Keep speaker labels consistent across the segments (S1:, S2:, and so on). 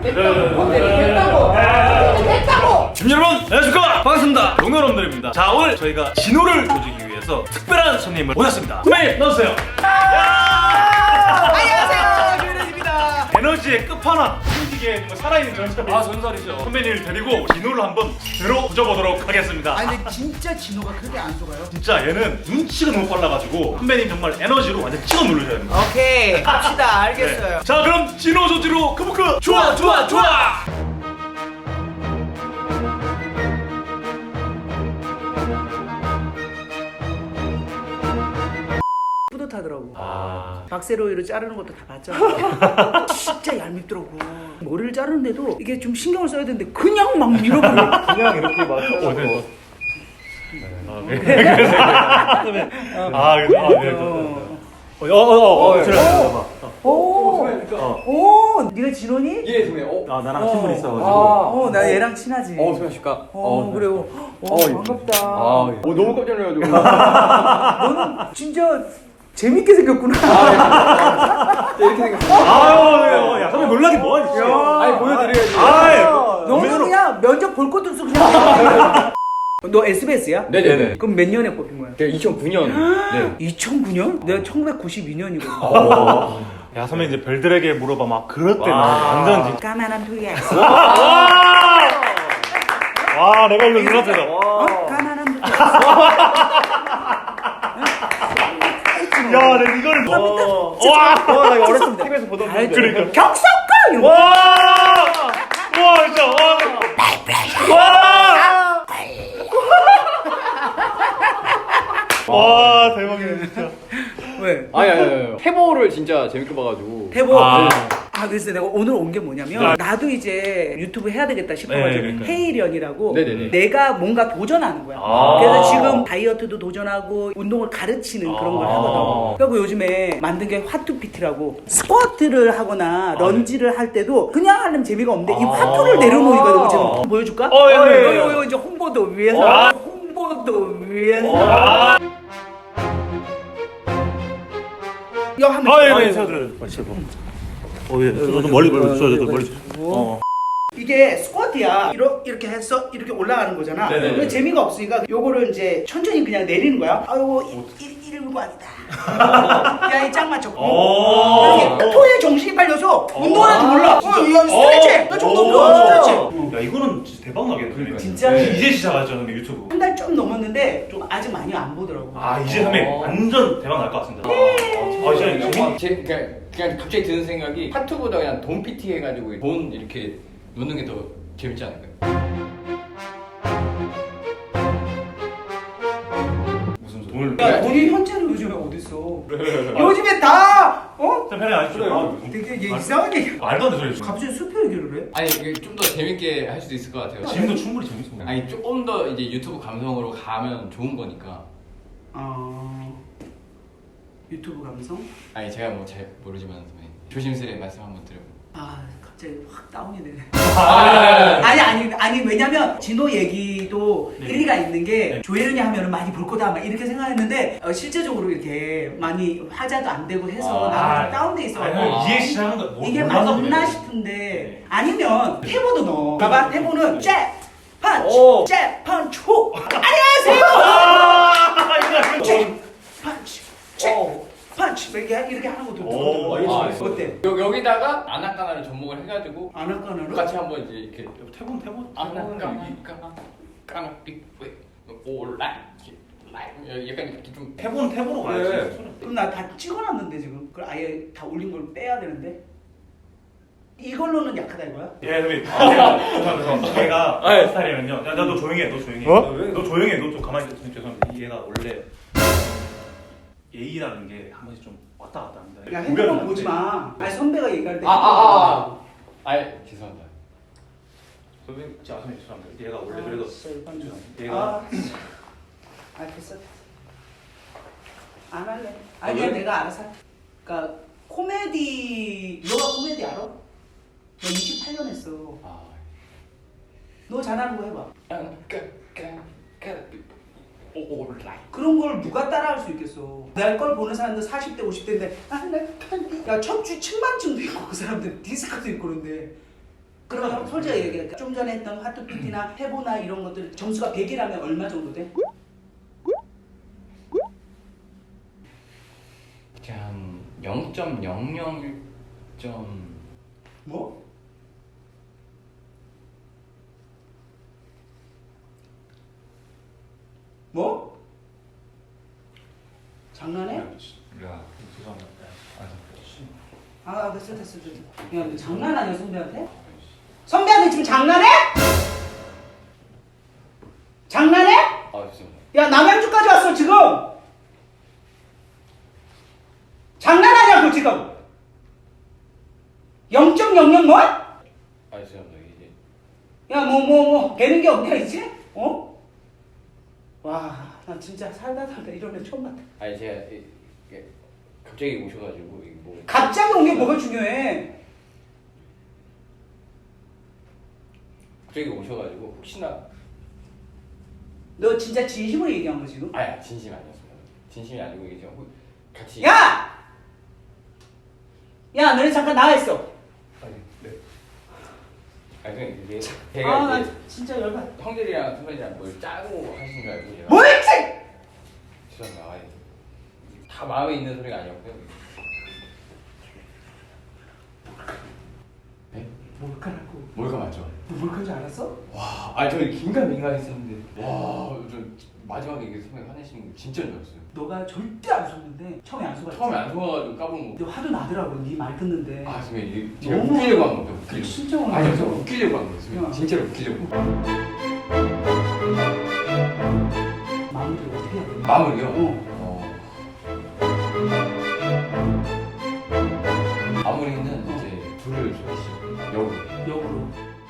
S1: 됐다고!
S2: 지금 여러분 안녕하십니까, 반갑습니다. 동료 여러분들입니다. 자, 오늘 저희가 진호를 조지기 위해서 특별한 손님을 모셨습니다. 선배님 나와주세요.
S1: 안녕하세요, 유현입니다.
S2: 에너지의 끝판왕, 숨기기에 살아있는 전설. 전설이죠. 선배님을 데리고 진호를 한번 제대로 조져보도록 하겠습니다.
S1: 아니 근데 진짜 진호가 그렇게 안 속아요?
S2: 진짜 얘는 눈치가 너무 빨라가지고 선배님 정말 에너지로 완전 찍어 누르셔야 됩니다.
S1: 오케이 합시다. 알겠어요.
S2: 자, 그럼 진호 조지로 크부크 좋아 좋아 좋아.
S1: 뿌듯하더라고.
S2: 아,
S1: 박세로이로 자르는 것도 다 봤잖아. 진짜 얄밉더라고. 머리를 자르는데도 이게 좀 신경을 써야 되는데 그냥 막 밀어버려.
S3: 그냥 이렇게 막
S2: 네. 그래서
S1: 오, 네가 진호니?
S3: 예, 선배님.
S2: 나랑 친분 있어가지고.
S1: 나 얘랑 친하지.
S3: 수고하십니까?
S1: 그래요. 반갑다.
S3: 너무 깜짝 놀라가지고.
S1: 너는 진짜 재밌게 생겼구나.
S3: 이렇게 생겼어요.
S2: 아유, 야, 선배 놀라긴 뭐하니?
S3: 아니, 보여드려야지.
S1: 너는 그냥 면접 볼 것도 없어 그냥. 너 SBS야?
S3: 네네네.
S1: 그럼 몇 년에 뽑힌 거야?
S3: 제가 2009년. 네.
S1: 2009년? 내가 1992년이거든.
S2: 야, 선배 이제 별들에게 물어봐 막 그럴 때 나 완전 진짜.
S1: 까만한 두야.
S2: 와, 내가 이거 눌렀잖아.
S1: 까만한 두야.
S2: 야, 내가 이거를.
S3: 나 이거 어렸을 때 TV에서 보던 건데.
S2: 그러니까.
S1: 격석가 이런 거.
S2: 와, 진짜. 와, 대박이네 진짜.
S1: 왜?
S3: 아니. 태보를 진짜 재밌게 봐가지고.
S1: 대보.
S2: 아.
S1: 그래서 내가 오늘 온 게 뭐냐면 나도 이제 유튜브 해야 되겠다 싶어가지고
S2: 그러니까.
S1: 헤이련이라고
S3: 네네네.
S1: 내가 뭔가 도전하는 거야.
S2: 아.
S1: 그래서 지금 다이어트도 도전하고 운동을 가르치는 그런 걸 하거든. 그리고 요즘에 만든 게 화투PT라고 스쿼트를 하거나 런지를 할 때도 그냥 하려면 재미가 없는데 이 화투를 내려놓으니까 너무 재밌어. 보여줄까?
S2: 예.
S1: 이거 이제 홍보도 위해서. 홍보도 위해서. 이거 하면
S2: 예, 세워드려요. 너도 멀리 저도 멀리.
S1: 이게 스쿼트야. 이렇게 해서 이렇게 올라가는 거잖아.
S2: 네네네.
S1: 근데 재미가 없으니까 요거를 이제 천천히 그냥 내리는 거야. 아이고 119 아니다. 야, 이 짱 맞췄고. 이렇게 토에 정신이 팔려서 운동하는지 몰라. 이거 스트레치. 너 정도 스트레치.
S2: 야, 이거는 진짜 대박 나겠네.
S1: 진짜?
S2: 이제 시작하죠, 선배 유튜브.
S1: 한 달 좀 넘었는데 좀 아직 많이 안 보더라고.
S2: 아, 이제 선배 완전 대박 날 것 같습니다. 진짜 재밌.
S3: 그냥 갑자기 드는 생각이 파투보다 그냥 돈 PT 해가지고 돈 이렇게 놓는 게 더 재밌지 않을까요?
S2: 무슨 돈을?
S1: 야, 돈이 현재는 요즘에 어딨어? 요즘에 다
S2: 편하게 안 해주세요.
S1: 되게 이상하게
S2: 말도 안 되는 소리.
S1: 갑자기 수표 얘기를 해?
S3: 아니 이게 좀 더 재밌게 할 수도 있을 것 같아요.
S2: 지금도 충분히 재밌어.
S3: 아니 조금 더 이제 유튜브 감성으로 가면 좋은 거니까.
S1: 유튜브 감성?
S3: 아니 제가 뭐 잘 모르지만 선배님 조심스레 말씀 한번 드려요.
S1: 갑자기 확 다운이 되네.
S3: 아,
S1: 아니 왜냐면 진호 얘기도
S2: 네.
S1: 일리가 있는 게
S2: 네.
S1: 조혜련이 하면은 많이 볼 거다 막 이렇게 생각했는데 실제적으로 이렇게 많이 화자도 안 되고 해서 나는 좀 다운돼 있어가지고
S2: 이해 시작한 거
S1: 이게
S2: 몰라서
S1: 맞나
S2: 그래.
S1: 싶은데
S2: 네.
S1: 아니면 태보도 넣어. 봐봐, 태보는 잽 펀치
S3: 오.
S1: 잽 펀치 훅. 안녕하세요. 잽 펀치 잽 펀치 이렇게 하는 것도
S2: 오,
S1: 좋거든. 어때?
S3: 여기다가 아나까나를 접목을 해가지고
S1: 아나까나로?
S3: 같이 한번 이제 이렇게
S2: 태본.
S3: 아나까나 올라 약간 이렇게 좀
S2: 태본으로 가야지.
S1: 그럼 나 다 찍어놨는데 지금 그걸 아예 다 올린 걸 빼야 되는데 이걸로는 약하다 이거야?
S2: 예, 선배. 죄송합니다. 얘가 스타일이면요. 야, 너 조용히 해. 너 조용히 해. 너 조용히 해. 너 좀 가만히 있어. 죄송합니다. 얘가 원래 예의라는 게 한 번씩 좀 왔다 갔다 합니다.
S1: 야, 핸드폰 보지 마. 아니 선배가 얘기할 때.
S3: 아이 죄송합니다.
S2: 선배님, 선배 죄송합니다. 얘가 원래 그래도 죄송합니다.
S1: 얘가 됐어. 안 할래. 아니야, 내가 알아서 할게. 그러니까 코미디, 너가 코미디 알아? 너 28년 했어. 너 잘하는 거 해봐. 그런 걸 누가 따라할 수 있겠어. 내 걸 보는 사람들 40대 50대인데 야 척추 측만증도 있고 그 사람들 디스크도 있고 그런데 그럼 솔직히 얘기할까? 좀 전에 했던 하트피티나 해보나 이런 것들 점수가 100이라면 얼마 정도 돼?
S3: 한 0.001점
S1: 뭐? 뭐? 장난해?
S2: 야 죄송합니다.
S1: 됐어. 야, 너 장난하냐 선배한테? 선배한테 지금 장난해? 장난해?
S3: 아 죄송합니다.
S1: 야, 남양주까지 왔어 지금. 장난하냐고 지금. 0.00 뭐?
S3: 아 죄송합니다. 이제
S1: 야, 뭐 되는 게 없냐 이제? 어? 와, 나 진짜 살다 이런 애 처음 봤다.
S3: 아니 제가 이게 갑자기 오셔가지고 이게 뭐
S1: 갑자기 온 게 뭐가 중요해?
S3: 갑자기 오셔가지고 혹시나
S1: 너 진짜 진심으로 얘기한 거 지금?
S3: 아야 진심이 아니었습니다. 진심이 아니고 이게 지금 같이
S1: 야! 야, 너네 잠깐 나와 있어.
S3: 아니 네. 아니 그냥 이게 제가
S1: 나
S3: 이제
S1: 진짜 열받.
S3: 형들이랑 선배들이랑 뭘 짜고 하신 줄 알고 제가
S1: 뭐였지?
S3: 죄송합니다. 아니, 다 마음에 있는 소리가 아니었고요. 네?
S1: 뭘까라고?
S3: 뭘까 맞죠?
S1: 너 뭘까인 줄 알았어?
S3: 와, 아니 저는 긴가민가했었는데 와, 저 마지막에 이게 선배 화내시는 거 진짜 좋았어요.
S1: 너가 절대 안 속는데 처음에 안 속았지?
S3: 처음에 안 속아가지고 까본 거.
S1: 너 화도 나더라고 네 말 듣는데.
S3: 아, 선배 이게 제가
S1: 너무
S3: 웃기려고 한 겁니다. 웃기려고.
S1: 진짜 오늘
S3: 아니요, 저 웃기려고 한 거예요. 선배.
S1: 야.
S3: 진짜로 웃기려고.
S1: 마무리를 어떻게 해야 돼?
S3: 마무리요?
S1: 어.
S3: 마무리는 이제 불을 쏘시죠. 여우.
S1: 역으로.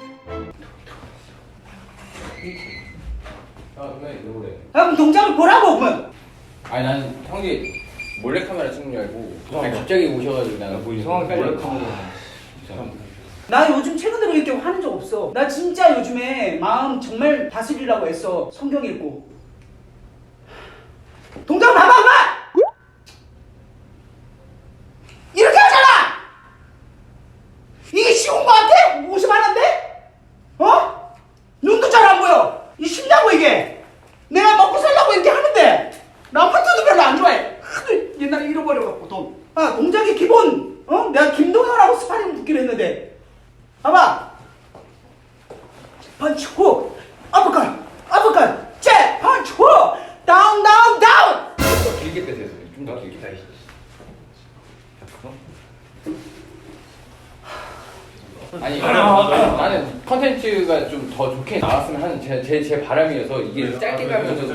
S3: 아, 왜 여우래?
S1: 그럼 동작을 보라고 그러면.
S3: 아니 나는 형이 몰래카메라 찍는 줄 알고 아니, 갑자기 오셔가지고 나는 뭐 이상하게 몰래카메라 죄송합니다.
S1: 나 요즘 최근 들어 이렇게 화는 적 없어. 나 진짜 요즘에 마음 정말 다스리려고 했어. 성경 읽고. 동작 봐봐 엄마! 이렇게 하잖아! 이게 쉬운 거 같아? 50만원인데? 어? 눈도 잘 안 보여. 이 쉽냐고 이게. 내가 먹고 살려고 이렇게 하는데 나 파트도 별로 안 좋아해. 하도 옛날에 잃어버려갖고 돈. 동작이 기본. 내가 김동현하고 스파링 붙기로 했는데 봐봐. 펀치 후 아프컷 잽 펀치 후 다운
S3: 더 길게 빼세요. 좀 더 길게 다시. 아니 나는 컨텐츠가 좀 더 좋게 나왔으면 하는 제 바람이어서 이게 짧게 가면서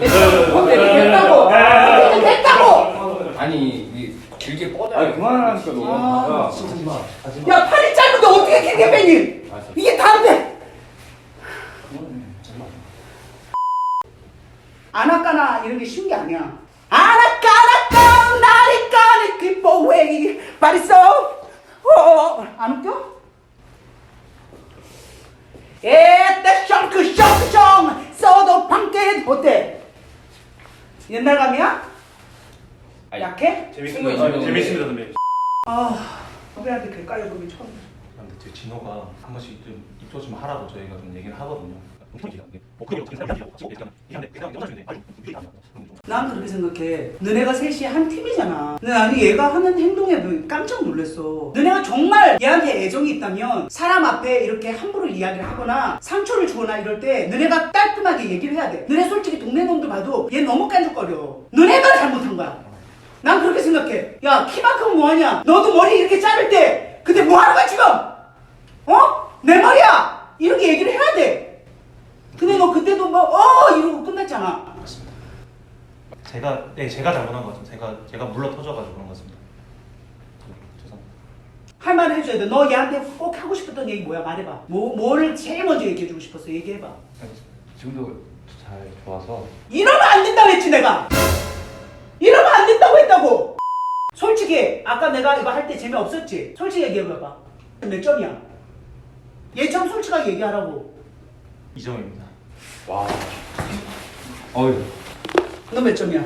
S1: 됐다고.
S3: 아니 이게 길게 뻗어.
S4: 아니 그만하니까 너무
S1: 아,
S4: 야,
S1: 진짜.
S4: 하지 마.
S1: 야 팔이 짧은데 어떻게 길게 빼니?
S3: 맞아.
S1: 이게 다른데. 아나까나 이런 게 쉬운 게 아니야. 아나까나까 나리까니 기뻐웨이 바리소. 안 웃겨? 에따 샹크 써도 방깨 어때? 옛날 감이야?
S3: 아니,
S1: 약해?
S2: 재밌습니다. 선배.
S1: 선배한테 그 깔려보기 처음.
S2: 근데 제 진호가 한 번씩 좀 입조 좀 하라고 저희가 좀 얘기를 하거든요.
S1: 난 그렇게 생각해. 너네가 셋이 한 팀이잖아. 근데 나는 얘가 하는 행동에 깜짝 놀랐어. 너네가 정말 얘한테 애정이 있다면 사람 앞에 이렇게 함부로 이야기를 하거나 상처를 주거나 이럴 때 너네가 깔끔하게 얘기를 해야 돼. 너네 솔직히 동네 놈들 봐도 얘 너무 깐죽거려. 너네가 잘못한 거야. 난 그렇게 생각해. 야, 키만큼은 뭐하냐? 너도 머리 이렇게 자를 때 근데 뭐하는 거야 지금? 내 말이야! 이렇게 얘기를 해야 돼. 근데 너 그때도 이러고 끝났잖아.
S2: 제가 잘못한 것 같습니다. 제가 물러 터져가지고 그런 것 같습니다. 죄송합니다.
S1: 할 말을 해줘야 돼. 너 얘한테 꼭 하고 싶었던 얘기 뭐야? 말해봐. 뭐를 제일 먼저 얘기해주고 싶었어? 얘기해봐.
S3: 지금도 잘 좋아서
S1: 이러면 안 된다고 했지 내가. 이러면 안 된다고 했다고. 솔직히 아까 내가 이거 할 때 재미없었지? 솔직히 얘기해봐봐. 몇 점이야? 얘처럼 솔직하게 얘기하라고.
S2: 2점입니다.
S3: 와. 어휴.
S1: 너 몇 점이야?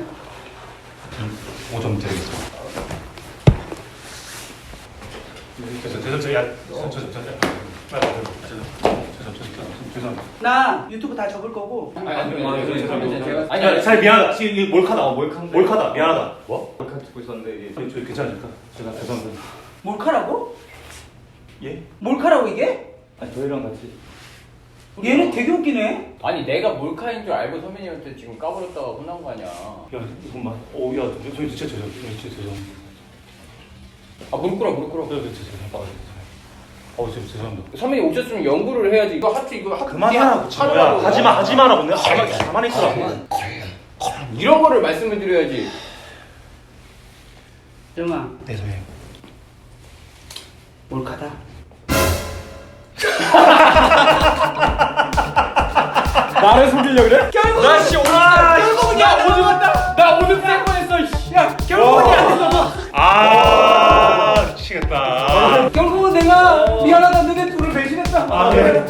S2: 5점 드리겠습니다. 죄송해요. 죄송합니다.
S1: 나 유튜브 다 접을 거고.
S2: 아니, 잘 미안하다. 지금 이게 몰카다. 몰카다. 미안하다. 뭐? 몰카 듣고 있었는데 저 괜찮으니까 제가 죄송합니다.
S1: 몰카라고?
S2: 예?
S1: 몰카라고 이게?
S2: 아니 저희랑 같이.
S1: 얘는 되게 웃기네.
S3: 아니 내가 몰카인 줄 알고 선배님한테 지금 까불었다가 혼난 거 아니야.
S2: 야 잠깐만. 야 저 진짜 죄송합니다.
S3: 아 무릎 꿇어.
S2: 진짜 죄송합니다. 진짜 죄송합니다.
S3: 선배님 오셨으면 연구를 해야지. 이거 하트 이거 하트
S2: 그만하라고 친구야. 하지마라고 내가 가만히 있으라고.
S3: 이런 거를 말씀을 드려야지.
S1: 정아,
S2: 네 선생님.
S1: 몰카다.
S2: 나를 속이려 그래?
S1: 결국
S2: 나씨 오늘
S1: 결국은 야 오늘 왔다.
S3: 나 오늘 뺄 뻔했어.
S1: 야 결국은 야
S2: 미치겠다.
S1: 결국은 내가 미안하다 너네 둘을 배신했다.
S2: 네.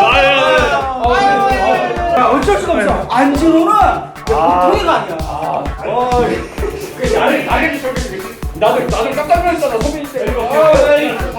S1: 야 어쩔 수가 없어. 안진호는 보통이가 아니야.
S3: 나를 깜짝 놀랐잖아 선배님 때.